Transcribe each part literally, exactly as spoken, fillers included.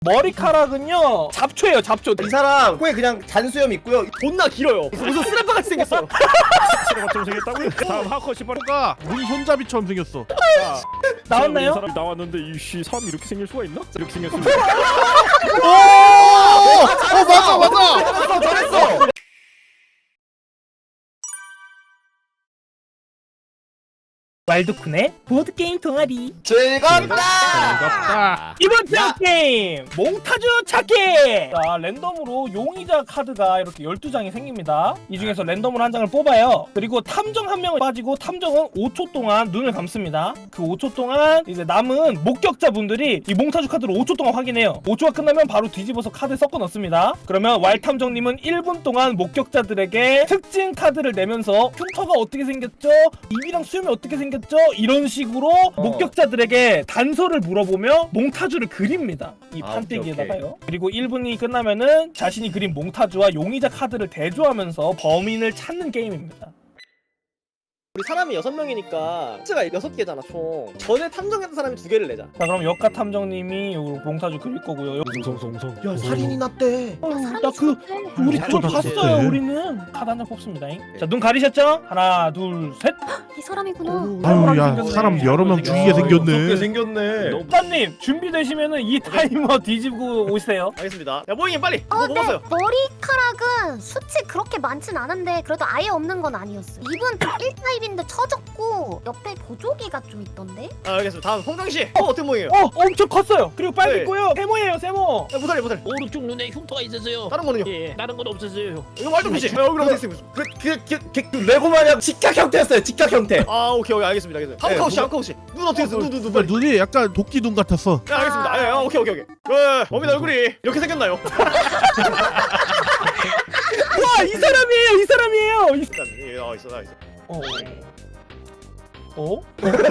머리카락은요 잡초예요 잡초. 이 사람 코에 그냥 잔수염 있고요. 존나 길어요. 무슨 쓰레빠 같이 생겼어. 쓰레기처럼 생겼다고요? 다음 하커 씨발가 문 손잡이처럼 생겼어. 나왔나요? 이 사람이 나왔는데 이씨 사람이 이렇게 생길 수가 있나? 이렇게 생겼습니다. 오! 어 맞아 맞아. 잘했어 잘했어. 왈도쿤의 보드게임 동아리 즐겁다. 반갑다. 이번 편 게임 몽타주 찾기. 자 랜덤으로 용의자 카드가 이렇게 열두 장이 생깁니다. 이 중에서 랜덤으로 한 장을 뽑아요. 그리고 탐정 한 명을 빠지고 탐정은 오 초 동안 눈을 감습니다. 그 오 초 동안 이제 남은 목격자분들이 이 몽타주 카드를 오 초 동안 확인해요. 오 초가 끝나면 바로 뒤집어서 카드에 섞어 넣습니다. 그러면 왈 탐정님은 일 분 동안 목격자들에게 특징 카드를 내면서 흉터가 어떻게 생겼죠? 입이랑 수염이 어떻게 생겼죠? 이런 식으로 어. 목격자들에게 단서를 물어보며 몽타주를 그립니다. 이 아, 판때기에다가요. 그리고 일 분이 끝나면은 자신이 그린 몽타주와 용의자 카드를 대조하면서 범인을 찾는 게임입니다. 우리 사람이 여섯 명이니까 숫자가 여섯 개잖아 총. 전에 탐정했던 사람이 두 개를 내자. 자 그럼 역가 탐정님이 요 몽타주 그릴 거고요. 송송송송. 야 살인이 났대. 나 그 우리 야, 그거 좀 봤어요. 봤대. 우리는 카드 한 장 뽑습니다. 자 눈 가리셨죠? 하나 둘 셋. 이 사람이구나. 아유 야 생겼네. 사람 여러 명 죽이게 무섭게 생겼네. 생겼네. 사님 준비되시면은 이 타이머 뒤집고 오세요. 알겠습니다. 야 모잉이 빨리. 어, 뭐 근데 먹었어요? 머리카락은 수치 그렇게 많진 않은데 그래도 아예 없는 건 아니었어. 입은 일 타입인데 처졌고 옆에 보조개가 좀 있던데? 아 알겠습니다. 다음 홍정 씨. 어 어떻게 모잉이에요? 어 엄청 컸어요. 그리고 빨리 네. 있고요. 세모예요 세모. 야 모살이 모살. 오른쪽 눈에 흉터가 있었어요. 다른 거는요? 예, 다른 건 없었어요. 이거 말좀 주시. 야 여기 어디 있어요? 그, 그, 그, 그, 그 레고 마냥 직각 형태였어요. 직각 형태. 아 오케이 오케이 알겠습니다 알겠습니다. 네, 한카우 씨 뭐가- 한카우 씨. 눈 어떻게 했어? 눈눈 눈 정말 빨리. 눈이 약간 도끼 눈 같았어. 네 알겠습니다. 아, 아, 아 오케이 오케이 오케이. 왜 범인 얼굴이 이렇게 생겼나요? 와 이 사람이에요 이 사람이에요. 이... 일단 예, 아 있어 나 있어. 어? 어?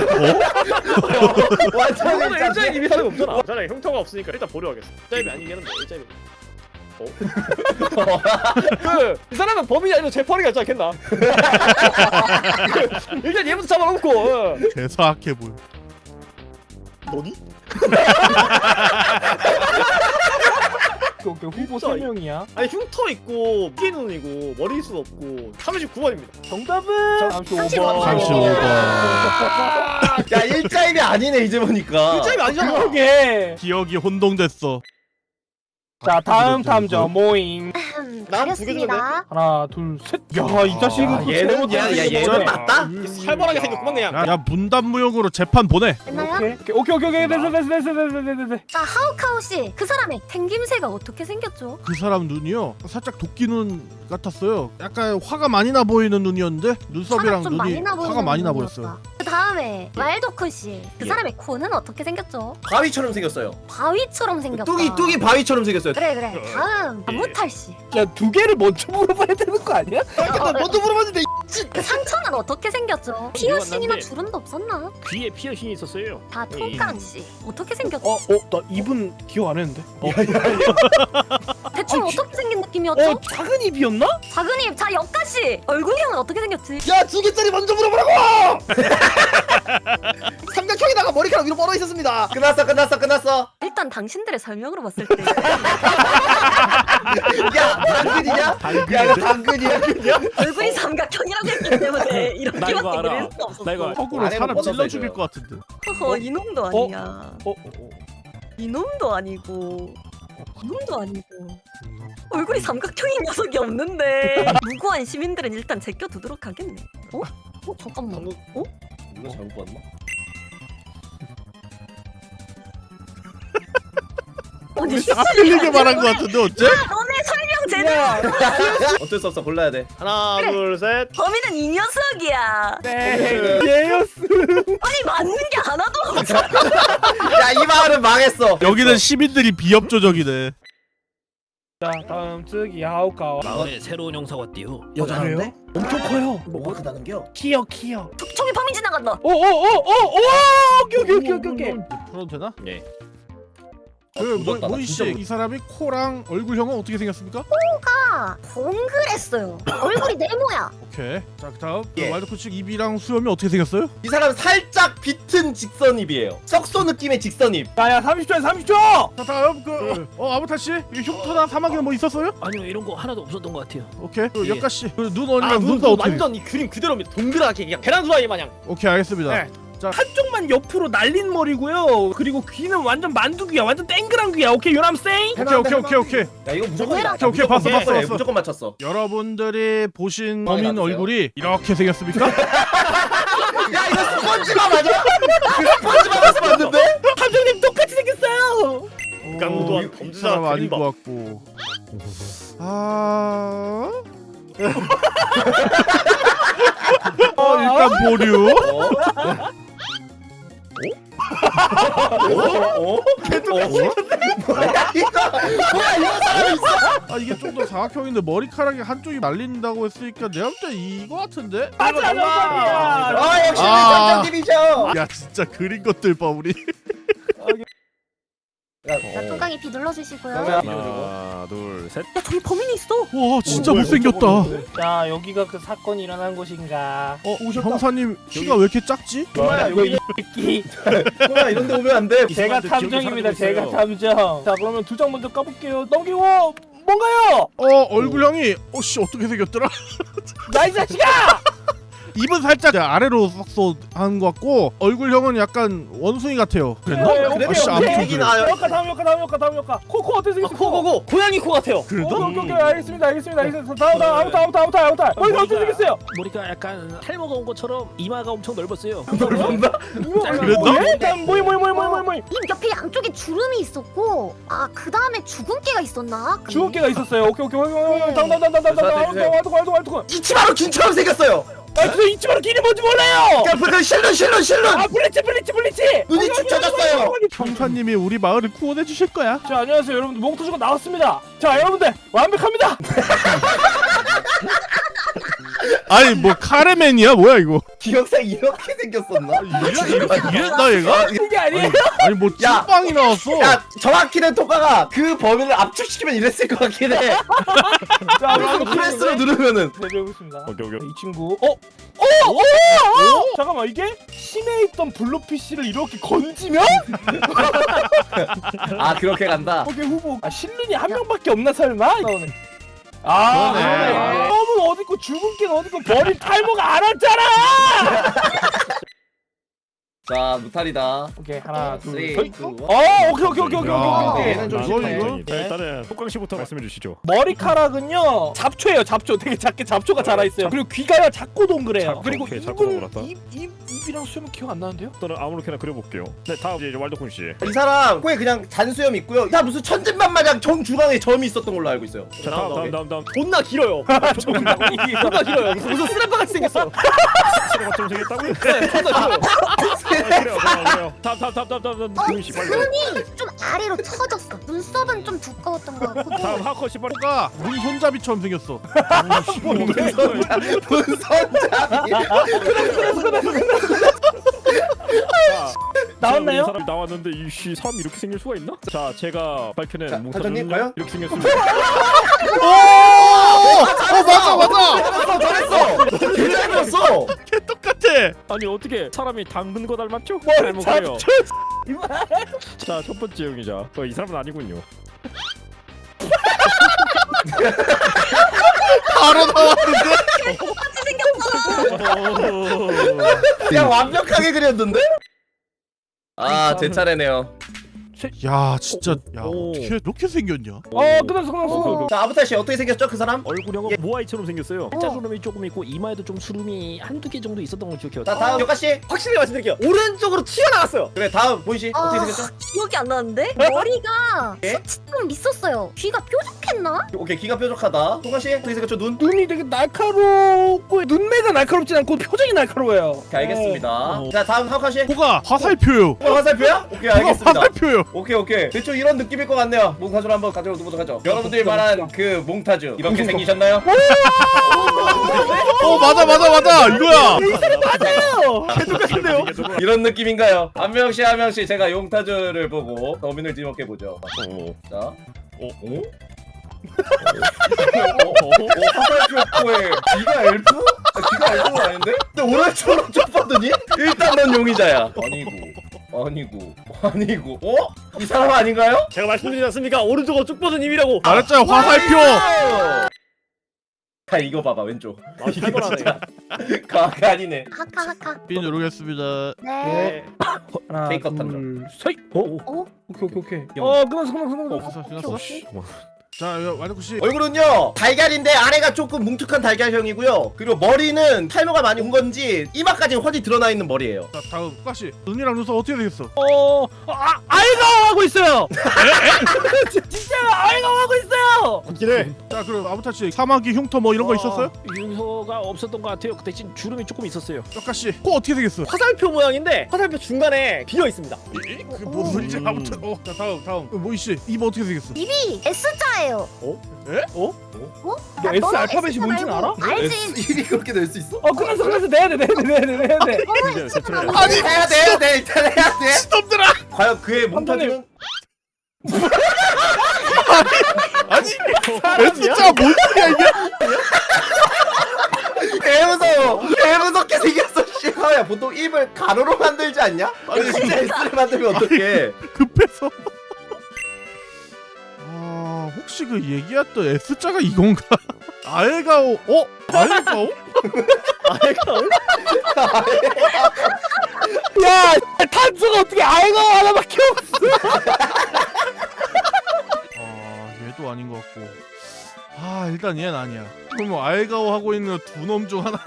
완전 저는 일자리 일자리. 이미 사람이 없잖아. 자네 흉터가 없으니까 일단 보려 하겠어. 일자리 아니겠는데 일자리. 어? 그이 사람은 범인이 아니라 재판이 같지 않겠나? 일단 얘부터 잡아놓고. 어. 개사악해 보여. 너니? 그, 그 후보 진짜 세 명이야. 아니 흉터 있고 피해 눈이고 머리숱 없고 삼십구 번입니다. 정답은 삼십오 번. 삼십오 번. 야 일자임이 아니네 이제 보니까. 일자리 아니잖아. 그러게. 기억이 혼동됐어. 자 다음 탐정 모임. 난두개 주면 가렸습니다. 하나 둘 셋. 야 이 자식은 아, 또 얘는 잘못 야, 야 생겼네. 얘는 맞다. 살벌하게 생겼구만 그냥. 야, 야 문단무용으로 재판 보내. 됐나요? 오케이 오케이 오케이 오케이 됐어 됐어 됐어 됐어 됐어 됐어. 자 하우카우 씨, 그 사람의 생김새가 어떻게 생겼죠? 그 사람 눈이요 살짝 도끼 눈 같았어요. 약간 화가 많이 나 보이는 눈이었는데 눈썹이랑 화가 좀 많이 눈이 나 보이는 화가 많이 나 눈이었다. 보였어요. 그 다음에 왈도쿤 씨, 그 예. 사람의 코는 어떻게 생겼죠? 바위처럼 생겼어요. 바위처럼 생겼다. 뚝이 뚝이 바위처럼 생겼어요. 그래 그래. 다음 안무탈 씨, 야두 개를 먼저 물어봐야 되는 거 아니야? 나 먼저 물어봤는데. 그 상처는 어떻게 생겼죠? 피어싱이나 주름도 없었나? 귀에 피어싱이 있었어요. 다 통깡 씨, 어떻게 생겼죠? 어? 어? 나 입은 기억 안 했는데. 어? 대충 아, 어떻게 생긴 느낌이었죠? 어? 작은 입이었나? 작은 입. 자 역가 씨, 얼굴형은 어떻게 생겼지? 야두 개짜리 먼저 물어보라고. 삼각형에다가 머리카락 위로 뻗어 있었습니다. 끝났어 끝났어 끝났어. 일단 당신들의 설명으로 봤을 때 야 당근이냐? 야 이거 당근이야? 얼굴이 삼각형이라고 했기 때문에 나 이렇게밖에 이거 알아. 그릴 수 없었어. 나 이거 턱으로 안에는 사람 뻗어서 찔러 죽일 해줘요. 것 같은데. 허허, 이놈도 아니야. 어? 이놈도 아니고 이놈도 아니고 얼굴이 삼각형인 녀석이 없는데 무고한 시민들은 일단 제껴두도록 하겠네. 어? 어? 잠깐만. 어? 누가 잘못 봤나? 아니 틀리게 말한 것 같은데 어째? 너네 설명 제대로. 어쩔 수 없어 골라야 돼. 하나 그래. 둘 셋. 범인은 이 녀석이야. 네 얘였어. 아니 맞는 게 하나도 없어. 야 이 마을은 망했어. 여기는 시민들이 비협조적이네. 자 다음 쯔기 하우카와. 마을에 새로운 형사가 왔대요. 여자인데? 엄청 커요. 뭐가 크다는겨? 키요 키요. 저기 범인 지나간다. 오오오오오 오케이 오케이 오케이 오케이 오케이. 풀어도 되나? 네. 그 무섭다, 나 모이 진짜 씨, 이 사람이 코랑 얼굴형은 어떻게 생겼습니까? 아, 머리가 동그랬어요. 얼굴이 네모야. 오케이. 자 그다음 예. 그 와일드 코치 입이랑 수염이 어떻게 생겼어요? 이 사람 살짝 비튼 직선입이에요. 썩소 느낌의 직선입. 야야 삼십 초야 삼십 초. 자 다음 그 어 아부타 씨, 이 흉터나 사막에는 뭐 있었어요? 아니요 이런 거 하나도 없었던 것 같아요. 오케이. 그 예. 역가 씨, 그 눈 어디랑 아, 눈, 눈도 눈 어떻게? 완전 이 그림 그대로입니다. 동그랗게 그냥 계란 후라이 마냥. 오케이 알겠습니다. 네. 한쪽만 옆으로 날린 머리고요. 그리고 귀는 완전 만두귀야. 완전 땡그란 귀야. 오케이 유람 쌩. 오케이 오케이 오케이 오케이. 야 이거 무조건 오케이, 맞다. 오케이, 봤어, 무조건 봤어, 맞췄어. 봤어. 무조건 맞췄어. 여러분들이 보신 어, 범인 놔두세요. 얼굴이 이렇게 생겼습니까? 야 이거 스펀지밥 맞아? 그 스펀지밥에서 봤는데? 감독님 똑같이 생겼어요. 강도한 이- 이 범죄자 사람 아닌 그림밥. 것 같고. 아. 어 일단 보류. 어? 어? 어? 개똑같이 뭐야 이거? 뭐야 이거 사람 있어? 아 이게 좀 더 사각형인데 머리카락이 한쪽이 말린다고 했으니까 내가 볼 때 이거 같은데? 맞아 정답이야. 아 역시 아. 장장님이죠. 야 진짜 그린 것들 봐 우리. 자, 뚜껑이 비 눌러주시고요. 하나 둘 셋. 야, 저기 범인이 있어. 와 진짜 못생겼다. 어 자 여기가 그 사건이 일어난 곳인가? 형사님 키가 왜 이렇게 작지? 뭐야 이거 여기 이 새끼. 뭐야 이런데 오면 안 돼. 제가 기억이 탐정입니다. 사라지고 제가 있어요. 탐정. 자 그러면 두 장 먼저 까볼게요. 넘기고 뭔가요? 어 얼굴형이 어씨 어떻게 생겼더라? 나이 자식아! 입은 살짝 아래로 썩소 한것 같고 얼굴형은 약간 원숭이 같아요. 그랬나? 네, 그래요? 아씨 아무튼 얘기 그래. 나요. 다음 역가 다음 역가 다음 역가 다음 역가. 코코 어떻게 아, 생겼어? 코, 코, 코. 고양이 코 같아요. 그래도? 오케이 오케이 오케이 알겠습니다 알겠습니다 알겠습니다. 다음 다음 아무튼 아무튼 아무튼 아무튼. 머리가 어떻게 생겼어요? 머리가 약간 탈모가 온 것처럼 이마가 엄청 넓었어요. 넓은다? 그래도? 일단 뭐이 뭐이 뭐이 뭐이 뭐이. 입 옆에 양쪽에 주름이 있었고, 아, 그 다음에 주근깨가 있었나? 그게? 주먹개가 있었어요. 오케이 오케이 오케이 오케이. 다음 다음 다음 다음 다음 다음 다음 다음 다음 다음. 이치마루 긴처럼 생겼어요. 아 근데 이치마루 길이 뭔지 몰라요. 그 실눈 실눈 실눈. 아 블리치 블리치 블리치. 눈이 축 처졌어요. 형사님이 우리 마을을 구원해 주실 거야. 자 안녕하세요 여러분들 몽투주가 나왔습니다. 자 여러분들 완벽합니다. 아니 뭐 카레맨이야 뭐야 이거? 기억상 이렇게 생겼었나? 이랬, 이랬나 얘가? 이게 아니에요. 아니 뭐 야. 찐빵이 나왔어. 야 정확히는 토카가 그 범인을 압축시키면 이랬을 것 같긴 해. 자 그래서 프레스로 누르면은 내려보겠습니다. 오케이 오케이. 이 친구 어? 어? 어? 어? 잠깐만 이게 심해 있던 블루피쉬를 이렇게 건지면? 아 그렇게 간다. 오케이 후보 아 실눈이 한 명밖에 없나 설마? 아 그러네. 껌은 어딨고 주근깨는 어딨고 머리 탈모가 안 왔잖아. 자 무탈이다. 오케이 하나 쓰리, 둘 셋. 투, 원. 어 오케이 오케이 오케이 오케이 야. 오케이 오케이. 얘는 좀 이거 쉽네. 이거 네. 일단은 폭강 씨부터 말씀해 주시죠. 머리카락은요 잡초예요 잡초 되게 작게 잡초가 자라 있어요. 그리고 귀가 작고 동그래요. 잡초, 그리고 오케이, 잡초 입은 동그랗다. 입, 입, 입이랑 수염은 기억 안 나는데요? 저는 아무렇게나 그려볼게요. 네 다음 이제 waldo쿤 씨. 이 사람 코에 그냥 잔수염 있고요. 이 사람 무슨 천진만 마냥 정 중앙에 점이 있었던 걸로 알고 있어요. 자 다음 다음 다음 다음. 존나 길어요. 존나 길어요. 무슨 무슨 스냅바 같이 생겼어. 치료가 좀 생겼다고요? 네, 존나 길어요. 아, 그래요 그래요 그래요. 다음 다음 다음 다음 다음 다음 씨 빨리. 눈이 좀 아래로 처졌어. 눈썹은 좀 두꺼웠던 것 같고. 다음 하커 씨 빨리. 가 눈 손잡이처럼 생겼어. 분선잡이. 나왔나요? 이 사람 나왔는데 이씨 사람 이렇게 생길 수가 있나? 자 제가 밝혀낸 자, 몽타주는요 과장님, 과연? 이렇게 생겼습니다. 오! 어 맞아 맞아. 잘했어 잘했어. 개 잘했어. 개 똑같아. 아니 어떻게 사람이 당근 거 닮았죠? 뭘 잘 먹어요. 잡초 이만. 자첫 번째 용의자. 어, 이 사람은 아니군요. 바로 나왔는데. 같이 생겼잖아. 그냥 완벽하게 그렸는데? 아 제 차례네요. 야 진짜 야 오. 어떻게 이렇게 생겼냐? 어 끝났어 끝났어. 자 아부타 씨 어떻게 생겼죠 그 사람? 얼굴형은 예. 모아이처럼 생겼어요. 짜주름이 조금 있고 이마에도 좀 주름이 한두 개 정도 있었던 걸 기억해요. 자 다음 요카 씨. 확실히 말씀드릴게요. 오른쪽으로 튀어나왔어요. 그래 다음 보이 씨 어떻게 아, 생겼죠? 기억이 안 나는데? 머리가 예? 숱이 좀 있었어요. 귀가 뾰족했나? 오케이 귀가 뾰족하다. 토카 씨 어떻게 생겼죠 눈? 눈이 되게 날카롭고 눈매가 날카롭진 않고 표정이 날카로워요. 오케이 알겠습니다. 어. 자 다음 하우카 씨. 코가 화살표요. 어, 화살표야? 오케이 코가 알겠습니다. 화살표요. 오케이 오케이 대충 이런 느낌일 것 같네요. 몽타주를 한번 가져보도록 하죠. 여러분들이 말한 그 몽타주 이렇게 생기셨나요? 어 맞아 맞아 맞아 이거야. 맞아요. 똑같은데요? 이런 느낌인가요? 한 명씩 한 명씩 제가 용타주를 보고 범인을 지목해 보죠. 자, 어? 어? 화살표에 귀가 엘프? 아, 귀가 엘프는 아닌데? 근데 오른쪽으로 쭉 봤더니 일단 넌 용의자야. 아니고 아니고 아니고 어? 이 사람 아닌가요? 제가 말씀드리지 않습니까? 오른쪽으로 쭉 뻗은 님이라고. 말했잖아 화살표. 아 이거 봐봐 왼쪽. 아, 이거 진짜 가가 아니네. 하카 하카. B 누르겠습니다. 네. 네. 하나 테이크업 둘 셋. 어? 어? 오케이 오케이 오케이. 영. 어 끝났어 끝났어 끝났어. 끝났어 끝났어. 오케이. 자 완혁구 씨. 얼굴은요 달걀인데 아래가 조금 뭉툭한 달걀형이고요. 그리고 머리는 탈모가 많이 온 건지 이마까지 훤히 드러나 있는 머리예요. 자 다음 국가 씨. 눈이랑 눈썹 어떻게 되겠어? 어, 아, 아이가 하고 있어요. 진짜 아이가 하고 있어요. 맞긴 자 그럼 아무타 씨 사마귀 흉터 뭐 이런 거 있었어요? 윤서가 없었던 것 같아요. 그 대신 주름이 조금 있었어요. 역가 씨. 코 어떻게 되겠어? 화살표 모양인데 화살표 중간에 비어 있습니다. 그 무슨 소리지? 아무튼 어. 자 다음 다음. 모이 씨. 입 어떻게 되겠어? 입이 S자예요. 에? 어? 너 S 알파벳이 뭔지는 알아? 알지. 일이 그렇게 될 수 있어? 어 끝났어 끝났어 내야 돼 내야 돼 내야 돼 내야 돼. 아니 해야 돼 해야 돼 일단 해야 돼. 시놈들아. 과연 그의 몽타주는 아니 S자 뭔 소리야 이게? 개 무서워. 개 무섭게 생겼어. 씨야 보통 입을 가로로 만들지 않냐? 아니 진짜 S를 만들면 어떡해? 급해서. 아 혹시 그 얘기했던 S자가 이건가? 아예가오. 어? 아예가오? 아이가 야 탄수가 어떻게 아이가 하나밖에 없어. 아 얘도 아닌 것 같고. 아 일단 얘는 아니야. 그럼 아예가오 하고 있는 두 놈 중 하나.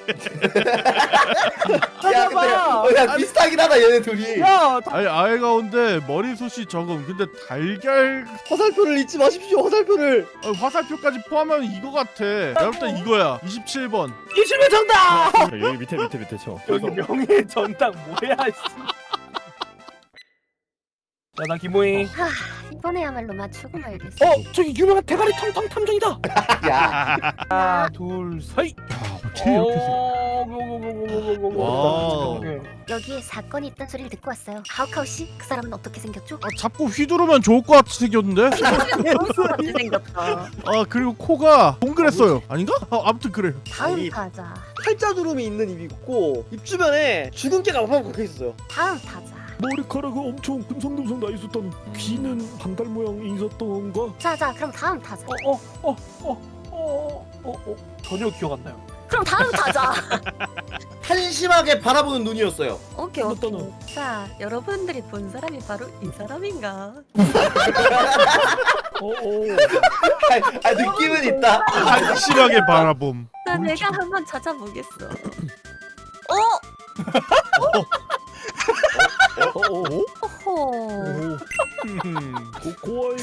야 근데 어, 야 비슷하긴 하다 얘네 둘이. 야 아니 아예가오인데 머리숱이 적음. 근데 달걀 화살표를 잊지 마십시오. 화살표를. 어, 화살표까지 포함하면 이거 같아. 내가 볼 땐 이거야. 이십칠 번. 이십일 정답. 여기 밑에 밑에 밑에 쳐. 여기 명예 전당 뭐야 씨. 자나 김모잉. 하, 이번에야말로 맞추고 말겠어. 어 저기 유명한 대가리 텅텅 탐정이다. 야 하나 둘 셋. 야 어떻게 이렇게 생 와우. 여기에 사건이 있다는 소리를 듣고 왔어요. 하우카우 씨, 그 사람은 어떻게 생겼죠? 아, 잡고 휘두르면 좋을 것 같이 생겼는데? 어떻게 생겼다. 아 그리고 코가 동그랬어요. 아닌가? 아, 아무튼 그래. 다음 아니. 타자. 팔자주름이 있는 입이 있고 입 주변에 주근깨가 막막 박혀 있었어요. 다음 타자. 머리카락이 엄청 듬성듬성 나 있었던 귀는 반달 모양이 있었던가? 자자, 그럼 다음 타자. 어어어어어어 전혀 기억 안 나요. 그럼 다음 타자. 한심하게 바라보는 눈이었어요. 오케이 오케이. 어떠노? 자, 여러분들이 본 사람이 바로 이 사람인가? 어어. 아, 아 느낌은 있다. 한심하게 바라봄. 자, 내가 한번 찾아보겠어. 어? 어어. 호호. 고아이 고아이.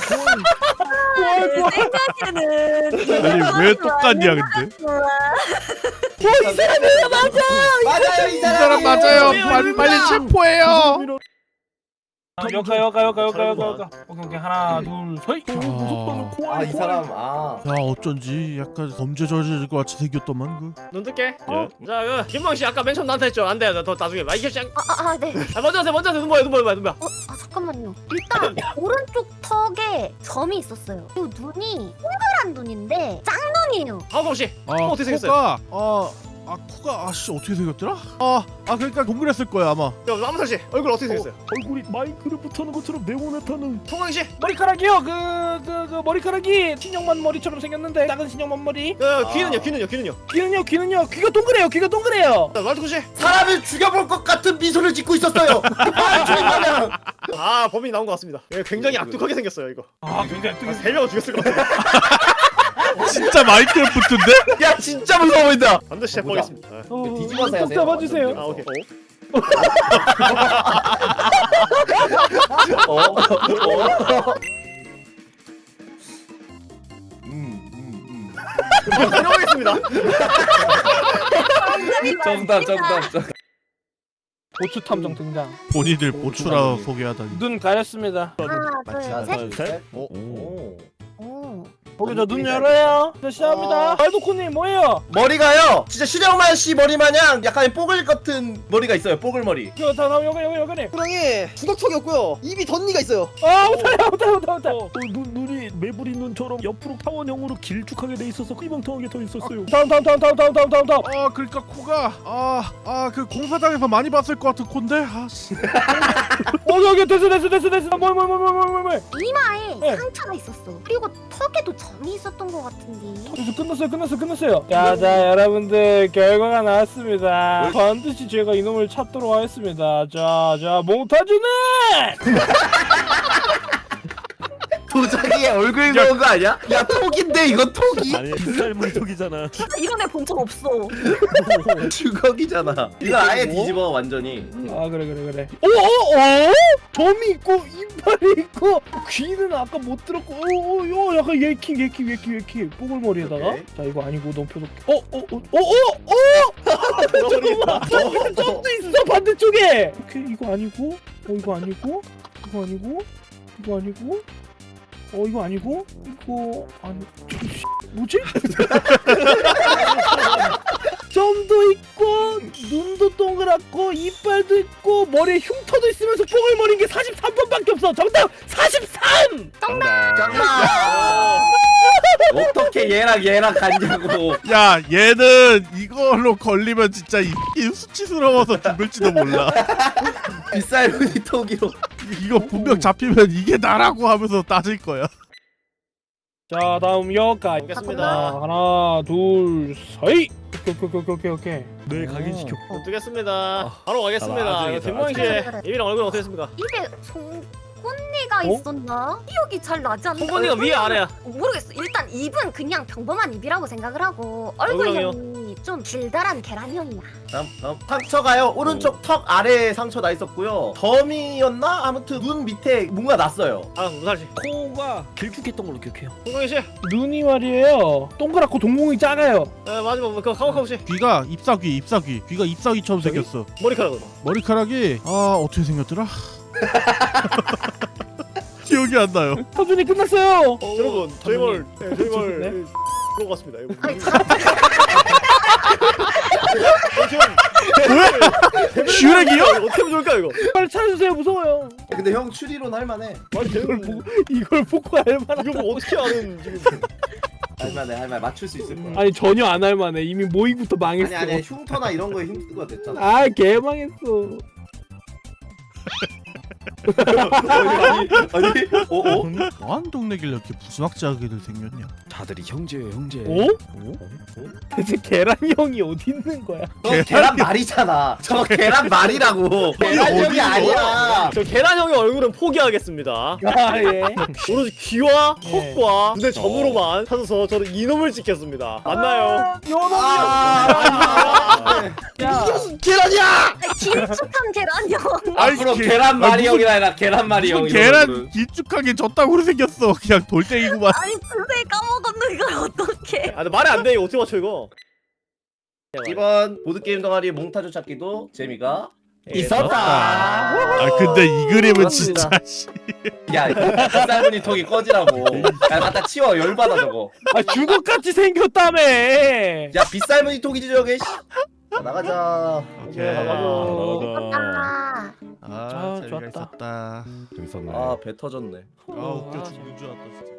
내 생각에는 아니 왜 똑같냐 근데? 이 사람이에요 맞아. 맞아요 이 이 사람 사람 맞아요. 빨리 빨리 체포해요. 여가 여가 여가 여가 여가 여가. 오케이 오케이 하나 둘 셋. 아, 아이 사람 아. 야 어쩐지 약간 범죄 저지를 것 같이 생겼더만 그. 눈 뜰게. 어? 자, 그 김광 씨 아까 맨 처음 나한테 했죠. 안 돼, 나 더 나중에. 마이크 씨, 아, 아, 아, 네. 아, 먼저 하세요, 먼저 하세요. 눈 보여, 눈 보여, 눈 보여. 어, 아, 잠깐만요. 일단 오른쪽 턱에 점이 있었어요. 그리고 눈이 동그란 눈인데 짱눈이에요. 하우카우 씨, 아 코 어떻게 생겼어요? 코가 어. 아 코가 아씨 어떻게 생겼더라? 아, 아 그러니까 동그랬을 거야 아마. 야, 아무살 씨, 얼굴 어떻게 생겼어요? 얼굴이 마이크로부터는 것처럼 네모나타는. 통광 씨, 머리카락이요. 그 그 그 머리카락이 신영만 머리처럼 생겼는데 작은 신영만 머리. 야, 귀는요, 귀는요, 귀는요. 귀는요 귀는요 귀가 동그래요. 귀가 동그래요. 자, 말투 씨. 사람을 죽여볼 것 같은 미소를 짓고 있었어요. 아 정말. 아, 범인이 나온 것 같습니다. 예, 굉장히 악독하게 생겼어요, 이거. 아 굉장히 아, 세 명을 죽였을 것 같아요. 진짜 마이크래프트인데? 야 진짜 무서워 보인다. 반드시 아, 보자. 해보겠습니다. 아, 어, 뒤집어서 해야 꼭 돼요. 잡아주세요. 아, 오케이. 어? 어? 어? 음, 음, 음. 해보겠습니다. 정답 정답 정답. 고추 탐정 등장. 본인들 보추라 소개하다니. 눈 가렸습니다. 하나, 둘, 셋. 셋. 어? 오. 오. 오케이 저 눈 열어요. 자 시작합니다. 어. 알도코님 뭐예요? 머리가요. 진짜 신영만 씨 머리 마냥 약간 뽀글 같은 머리가 있어요. 뽀글 머리. 저 다음 여기 여기 여기. 호랑이 주걱턱이 없고요. 입이 덧니가 있어요. 아 못해요 못해요 못해요 못해요. 어, 눈, 눈이 메부린 눈처럼 옆으로 타원형으로 길쭉하게 돼 있어서 휘멍텅하게 더 있었어요. 다음 다음 다음 다음 다음 다음 다음 다음. 아 그러니까 코가 아아 그 공사장에서 많이 봤을 것 같은 콘데 아씨 어 여기 됐어 됐어 됐어 됐어. 뭐뭐뭐뭐뭐뭐. 이마에 네. 상처가 있었어. 그리고 턱에도 점이 있었던 것 같은데. 됐어 끝났어요 끝났어요 끝났어요. 자자 여러분들 결과가 나왔습니다. 반드시 제가 이놈을 찾도록 하겠습니다. 자자 몽타주는 도자기에 얼굴 넣은 거 아니야? 야 톡인데 이거 톡이? 아니 빗살무늬 턱이잖아. 이런 애 본 적 없어. 주걱이잖아. 이거 아예 뒤집어 완전히. 아 그래 그래 그래. 오오오 점이 있고 이빨이 있고 귀는 아까 못 들었고 오오 약간 예킹 예킹 예킹 예킹 뽀글머리에다가 오케이. 자 이거 아니고 너무 표독 어어어어어 돌아버리겠다. 점도 있어 반대쪽에. 오케이 이거 아니고 어 이거 아니고 이거 아니고 이거 아니고 어 이거 아니고 이거 아니 저기 씨, 뭐지? 점도 있고 눈도 동그랗고 이빨도 있고 머리에 흉터도 있으면서 뽀글머리인 게 사십삼 번밖에 없어. 정답 사십삼. 장난. 어떻게 얘랑 얘랑 갔냐고. 야 얘는 이걸로 걸리면 진짜 이 수치스러워서 죽을지도 몰라. 빗살무늬 톡이로. 이거 분명 잡히면 이게 나라고 하면서 따질 거야. 자 다음 여기까지. 보겠습니다. 자, 하나 둘 셋. 오케이 오케이 오케이 오케이 오케이. 뇌 각인시켜. 뜨겠습니다. 바로 가겠습니다. 나중에, 이거 김모양 씨 그래, 그래. 입이랑 얼굴 어떻게 됐습니까? 입에 송곳니가 어? 있었나? 기억이 잘 나지 않나? 송곳니가 위에 아래야? 모르겠어. 일단 입은 그냥 평범한 입이라고 생각을 하고 얼굴형이요? 얼굴형이 좀 길다란 계란형이야. 다음 다음 상처가요. 오른쪽 턱 아래에 상처 나 있었고요. 점이었나? 아무튼 눈 밑에 뭔가 났어요. 아 무살 씨. 코가 길쭉했던 걸로 기억해요. 송광희 씨. 눈이 말이에요. 동그랗고 동공이 작아요. 네, 마지막 그 카우카우 씨. 귀가 잎사귀 잎사귀 귀가 잎사귀처럼 저기? 생겼어. 머리카락은. 머리카락이 아 어떻게 생겼더라? 기억이 안 나요. 서준이 끝났어요. 어, 여러분 저희 말 네, 저희 말 네? 그런 것 같습니다. 이거. 아니 슈렉이요? 어떻게 하면 좋을까 이거? 빨리 찾아주세요. 무서워요. 근데 형 추리론 할만해. 아니 이걸 되는 보고 이걸 보고 알만한. 이거 뭐 어떻게 아는 지금? 할만해 할만해. 맞출 수 있을 거야. 아니 전혀 안 할만해. 이미 모의부터 망했어. 아니 아니 흉터나 이런 거에 힌트가 됐잖아. 아 개망했어. 아니 아니 어 어? 뭐한 동네길래 이렇게 부스막지하게들 생겼냐? 다들이 형제예요 형제. 어? 대체 계란형이 어디 있는 거야? 저 계란 말이잖아. 저 계란 말이라고. 계란형이 어디 있어? 아니야. 저 계란형의 얼굴은 포기하겠습니다. 아 예. 오로지 귀와 네. 턱과 눈의 점으로만 찾아서 저는 이놈을 지켰습니다. 맞나요? 아, 야. 계란이야. 길쭉한 계란형. 앞으로 게- 계란 아니, 말이 무슨- 형이라 해라. 계란 말이 형. 무슨 계란 길쭉하게 졌다고 생겼어. 그냥 돌덩이구만. 아니 선생님 까먹었는 걸 어떡해. 아, 근데 말이 안 돼. 이거 어떻게 맞춰 이거? 이번 보드게임 동아리 몽타주 찾기도 재미가 예, 있었다. 아 근데 이 그림은 그렇습니다. 진짜 씨. 야, 쌀무늬 턱이 꺼지라고. 야, 갖다 치워. 열받아 저거. 아 주걱같이 생겼다며. 야, 빗쌀무늬 턱이지 저게. 씨. 자, 나가자. 오케이. 나가자. 아, 아, 아, 재미가 좋았다. 있었다. 재밌었네. 아, 배 터졌네. 아 웃겨 죽는 줄 알았다 진짜.